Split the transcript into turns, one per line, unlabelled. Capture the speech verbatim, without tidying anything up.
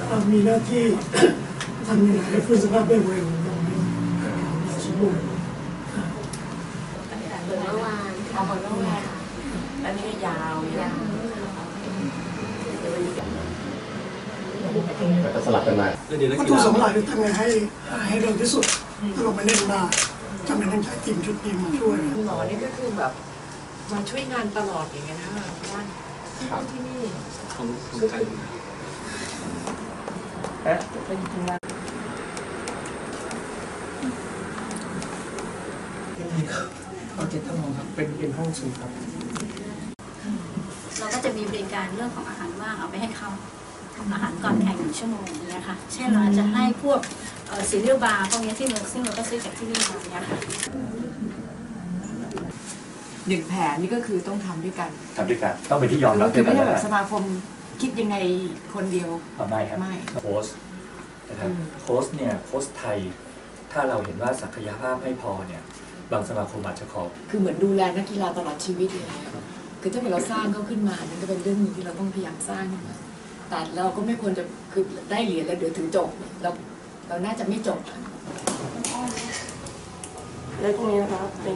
มีหน้าที่ทำยังไงให้ฟื้นสภาพได้เร็วสมบูรณ์
เมื่อวานเอาเมื่อวานอันนี้ยาวยาว
จะสลับกันมา
วัตถุสำคัญคือทำไงให้ให้เร็วที่สุดถ้าเราไปเล่นได้จำเป็นต้องใช้ทีมชุดนี้มาช่วย
หมอนี่ก็คือแบบมาช่วยงานตลอดอย่างเงี้ยนะว่าที่นี่
ของของไทย
เอ๊ะไปทำงาน
นี่ครับเขาจะทำครับเป็นเป็นห้องสูตรครับ
เราก็จะมีบริการเรื่องของอาหารว่างเอาไปให้เขาทำอาหารก่อนแข่งหนึ่งชั่วโมงอย่างเงี้ยค่ะเช่นเราอาจจะให้พวกซีเรียลบาร์พวกนี้ที่เราซึ่งเราก็ซื้อจากที่นี่มาอย่างเงี้ยค่ะ
หนึ่งแผนนี่ก็คือต้องทำด้วยกัน
ทำด้วยกันต้องเป็นที่ยอมรับ
คือไม่ใช่แบบสมาคมคิดยังไงคนเดียว
ไม่ครับ
ไม่
โค้ชนะครับโค้ชเนี่ยโค้ชไทยถ้าเราเห็นว่าศักยภาพไม่พอเนี่ยบางสมาคมอาจจะขอ
คือเหมือนดูแลนักกีฬาตลอดชีวิตเลยคือถ้าเกิดเราสร้างเขาขึ้นมานั่นก็เป็นเรื่องนึงที่เราต้องพยายามสร้างขึ้นมาแต่เราก็ไม่ควรจะคือได้เหรียญแล้วเดี๋ยวถึงจบเราเราน่าจะไม่จบ
แล้วตรงนี้นะครับ